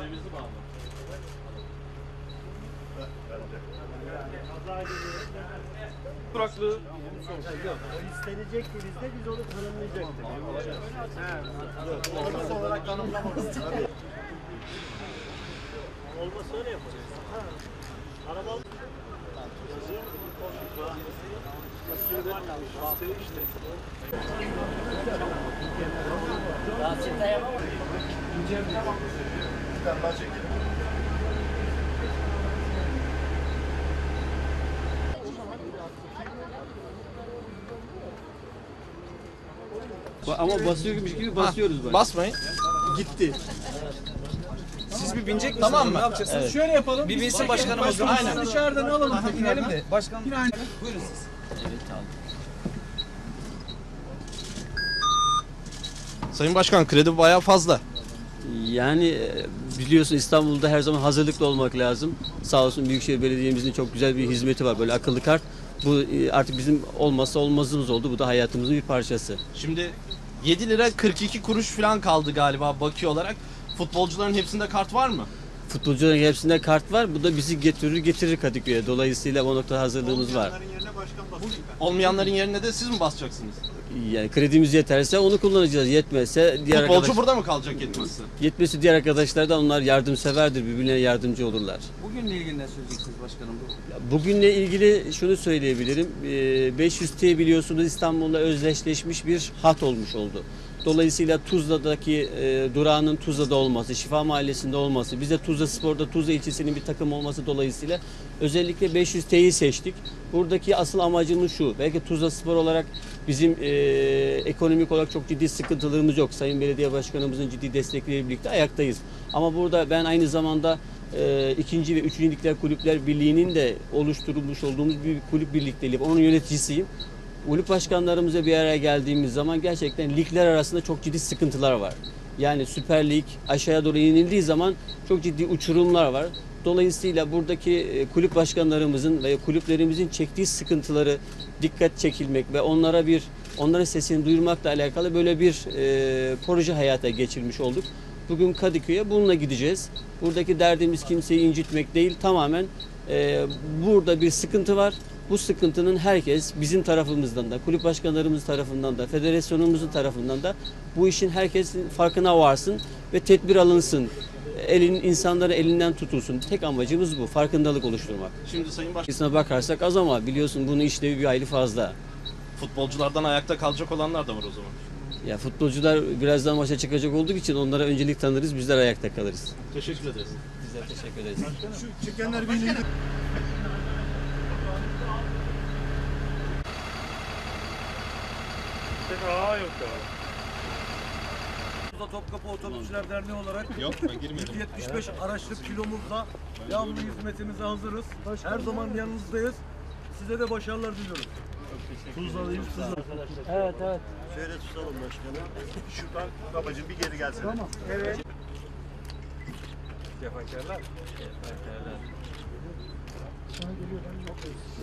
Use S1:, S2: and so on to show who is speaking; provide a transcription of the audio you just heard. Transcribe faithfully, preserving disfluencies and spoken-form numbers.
S1: Sayımızı bağlı.
S2: Duraklı.
S3: O istenecekti bizde, biz onu tanımlayacaktık.
S1: Olması olarak tanımlamalıyız.
S3: Olmasa öyle yaparız. Araba
S4: Ama basıyormuş gibi basıyoruz bak.
S2: Basmayın.
S4: Gitti.
S2: Siz bir binecek misiniz? Tamam mı? Ne yapacaksınız?
S4: Evet.
S2: Şöyle yapalım. Bir binsin başkanımız. Aynen.
S5: Dışarıdan alalım.
S2: İnelim de. Başkan.
S5: Buyurun siz.
S2: Sayın Başkan, kredi bayağı fazla.
S4: Yani e, biliyorsun İstanbul'da her zaman hazırlıklı olmak lazım. Sağ olsun Büyükşehir Belediye'mizin çok güzel bir hizmeti var. Böyle akıllı kart. Bu e, artık bizim olmazsa olmazımız oldu. Bu da hayatımızın bir parçası.
S2: Şimdi yedi lira kırk iki kuruş falan kaldı galiba baki olarak. Futbolcuların hepsinde kart var mı?
S4: Futbolcuların hepsinde kart var. Bu da bizi getirir getirir Kadıköy'e. Dolayısıyla o noktada hazırlığımız var.
S2: Olmayanların yerine de siz mi basacaksınız?
S4: Yani kredimiz yeterse onu kullanacağız. Yetmezse diğer
S2: Futbolcu
S4: arkadaş...
S2: burada mı kalacak yetmezse?
S4: Yetmesi diğer arkadaşlar da onlar yardımseverdir. Birbirine yardımcı olurlar.
S5: Bugünle ilgili ne söyleyeceksiniz başkanım?
S4: Bugünle ilgili şunu söyleyebilirim. Ee, beş yüz T biliyorsunuz İstanbul'la özdeşleşmiş bir hat olmuş oldu. Dolayısıyla Tuzla'daki e, durağının Tuzla'da olması, Şifa Mahallesi'nde olması, bize Tuzla Spor'da Tuzla ilçesinin bir takım olması dolayısıyla özellikle beş yüz T'yi seçtik. Buradaki asıl amacımız şu. Belki Tuzla Spor olarak bizim e, ekonomik olarak çok ciddi sıkıntılarımız yok. Sayın Belediye Başkanımızın ciddi destekleriyle birlikte ayaktayız. Ama burada ben aynı zamanda e, ikinci ve üçüncü Ligler Kulüpler Birliği'nin de oluşturulmuş olduğumuz bir kulüp birlikteliği. Onun yöneticisiyim. Kulüp başkanlarımıza bir araya geldiğimiz zaman gerçekten ligler arasında çok ciddi sıkıntılar var. Yani Süper Lig aşağıya doğru inildiği zaman çok ciddi uçurumlar var. Dolayısıyla buradaki kulüp başkanlarımızın ve kulüplerimizin çektiği sıkıntıları dikkat çekilmek ve onlara bir onların sesini duyurmakla alakalı böyle bir e, proje hayata geçirmiş olduk. Bugün Kadıköy'e bununla gideceğiz. Buradaki derdimiz kimseyi incitmek değil, tamamen e, burada bir sıkıntı var. Bu sıkıntının herkes bizim tarafımızdan da, kulüp başkanlarımız tarafından da, federasyonumuzun tarafından da bu işin herkesin farkına varsın ve tedbir alınsın. Elin, insanları elinden tutulsun. Tek amacımız bu, farkındalık oluşturmak.
S2: Şimdi Sayın Başkan,
S4: Aslına bakarsak az ama biliyorsun bunun işlevi bir hayli fazla.
S2: futbolculardan ayakta kalacak olanlar da var o zaman.
S4: Ya futbolcular birazdan maça çıkacak olduğu için onlara öncelik tanırız, bizler ayakta kalırız.
S2: Teşekkür ederiz.
S4: Bizler teşekkür ederiz.
S3: şu çıkanlar birliği.
S5: Aa yok ya. Topkapı Otobüsçüler Derneği olarak
S2: Yok, ben girmedim.
S5: yüz yetmiş beş araçlık kilomuzla devamlı hizmetimize hazırız. Her zaman yanınızdayız. Size de başarılar diliyorum. Tuzla'dayız, Tuzla.
S3: Evet, evet. Şöyle tutalım başkanım.
S1: Şuradan babacığım bir geri gelsene.
S3: Tamam. Evet.
S5: Cefakarlar.
S4: Teşekkürler.